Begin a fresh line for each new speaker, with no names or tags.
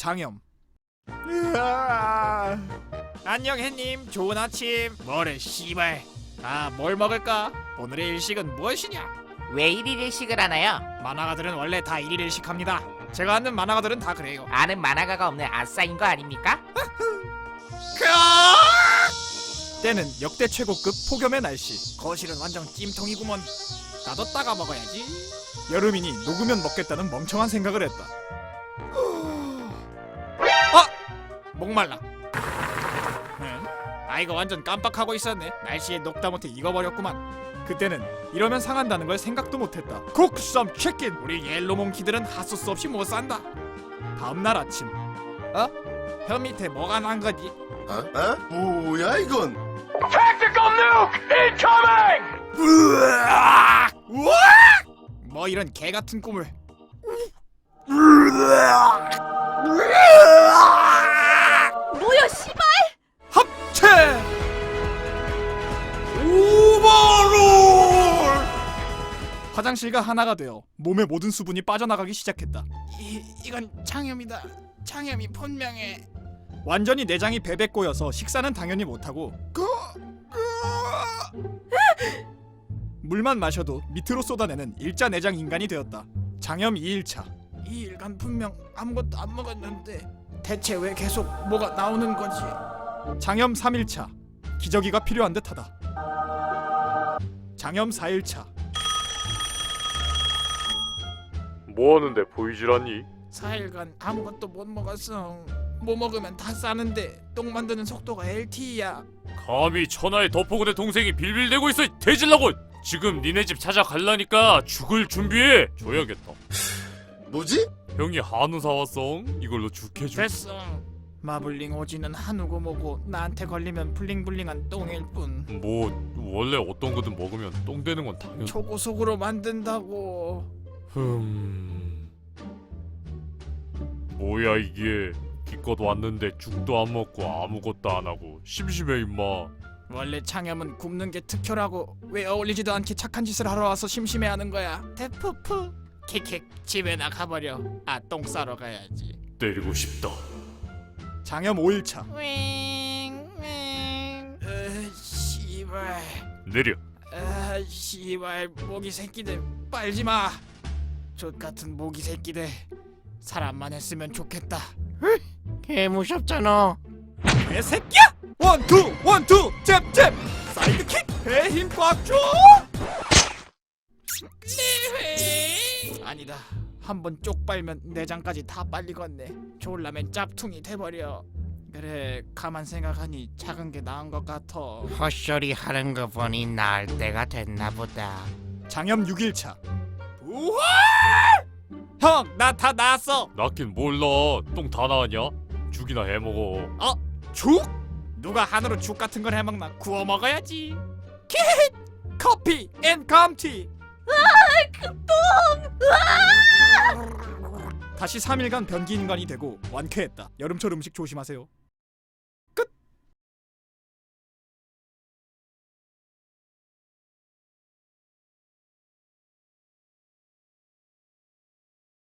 장염. 안녕 햇님, 좋은 아침. 뭐래 씨발. 뭘 먹을까? 오늘의 일식은 무엇이냐?
왜 1일 일식을 하나요?
만화가들은 원래 다 일일 일식합니다. 제가 아는 만화가들은 다 그래요.
아는 만화가가 없는 아싸인 거 아닙니까?
때는 역대 최고급 폭염의 날씨. 거실은 완전 찜통이구먼. 나도 따가 먹어야지. 여름이니 녹으면 먹겠다는 멍청한 생각을 했다. 목말라. 이거 완전 깜빡하고 있었네. 날씨에 녹다 못해 익어버렸구만. 그때는 이러면 상한다는 걸 생각도 못했다. 국썸 치킨. 우리 옐로몽키들은 핫소스 없이 못 산다. 다음날 아침. 혀 밑에 뭐가 난 거지?
뭐야 이건?
Tactical nuke incoming!
뭐 이런 개 같은 꿈을.
뭐야 씨발!
합체 오버롤. 화장실과 하나가 되어 몸의 모든 수분이 빠져나가기 시작했다. 이건 장염이다. 장염이 분명해. 완전히 내장이 베베 꼬여서 식사는 당연히 못하고 물만 마셔도 밑으로 쏟아내는 일자 내장 인간이 되었다. 장염 2일차. 2일간 분명 아무것도 안 먹었는데 대체 왜 계속 뭐가 나오는 거지? 장염 3일차. 기저귀가 필요한 듯하다. 장염 4일차.
뭐하는데 보이질 않니?
4일간 아무것도 못 먹었어. 뭐 먹으면 다 싸는데 똥 만드는 속도가 LTE야.
감히 천하의 덕포군의 동생이 빌빌대고 있어. 대질라고. 지금 니네 집 찾아갈라니까 죽을 준비해. 줘야겠다.
뭐지?
형이 한우 사왔어. 이걸로 죽해줘.
됐어. 마블링 오지는 한우고 뭐고 나한테 걸리면 블링블링한 똥일 뿐.
뭐 원래 어떤 거든 먹으면 똥 되는 건 당연.
초고속으로 만든다고.
뭐야 이게. 기껏 왔는데 죽도 안 먹고 아무것도 안 하고 심심해 임마.
원래 장염은 굶는 게 특효라고. 왜 어울리지도 않게 착한 짓을 하러 와서 심심해하는 거야? 대푸푸. 킥킥. 집에나 가버려. 똥 싸러 가야지.
때리고 싶다.
장염 5일차. 씨발.
내려.
씨발 모기 새끼들 빨지 마. 족같은 모기 새끼들. 사람만 했으면 좋겠다.
개 무섭잖아.
개새끼야! 원투 원투 잽잽 사이드킥. 배 힘 꽉 줘. 아니다. 한번 쪽 빨면 내장까지 다 빨리겠네. 졸라면 짭퉁이 돼버려. 그래, 가만 생각하니 작은 게 나은 것 같아.
헛소리 하는 거 보니 나을 때가 됐나 보다.
장염 6일차. 우와! 형, 나 다 나았어.
낳긴 몰라. 똥 다 나왔냐? 죽이나 해먹어.
죽? 누가 한우로 죽 같은 걸 해먹나? 구워 먹어야지. 킷! 커피 앤 감티. 다시 3일간 변기 인간이 되고 완쾌했다. 여름철 음식 조심하세요.